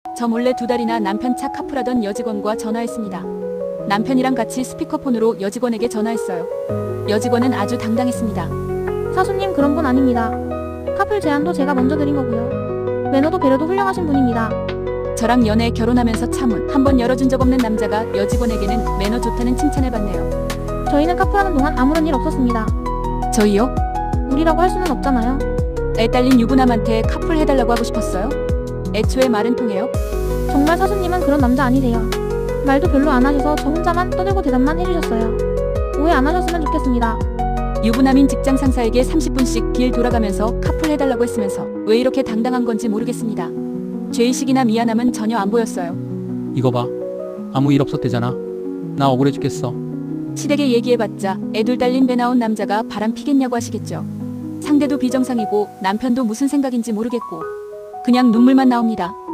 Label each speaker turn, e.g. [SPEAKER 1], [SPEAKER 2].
[SPEAKER 1] 저 몰래 2달이나 남편 차 카풀하던 여직원과 전화했습니다. 남편이랑 같이 스피커폰으로 여직원에게 전화했어요. 여직원은 아주 당당했습니다.
[SPEAKER 2] 사수님 그런 분 아닙니다. 카풀 제안도 제가 먼저 드린 거고요. 매너도 배려도 훌륭하신 분입니다.
[SPEAKER 1] 저랑 연애 결혼하면서 차문 한 번 열어준 적 없는 남자가 여직원에게는 매너 좋다는 칭찬을 받네요.
[SPEAKER 2] 저희는 카풀하는 동안 아무런 일 없었습니다.
[SPEAKER 1] 저희요?
[SPEAKER 2] 우리라고 할 수는 없잖아요.
[SPEAKER 1] 애 딸린 유부남한테 카풀 해달라고 하고 싶었어요? 애초에 말은 통해요?
[SPEAKER 2] 정말 사수님은 그런 남자 아니세요. 말도 별로 안 하셔서 저 혼자만 떠들고 대답만 해주셨어요. 오해 안 하셨으면 좋겠습니다.
[SPEAKER 1] 유부남인 직장 상사에게 30분씩 길 돌아가면서 카풀 해달라고 했으면서 왜 이렇게 당당한 건지 모르겠습니다. 죄의식이나 미안함은 전혀 안 보였어요.
[SPEAKER 3] 이거 봐. 아무 일 없었대잖아. 나 억울해 죽겠어.
[SPEAKER 1] 시댁에 얘기해봤자 애둘 딸린 배 나온 남자가 바람 피겠냐고 하시겠죠. 상대도 비정상이고 남편도 무슨 생각인지 모르겠고 그냥 눈물만 나옵니다.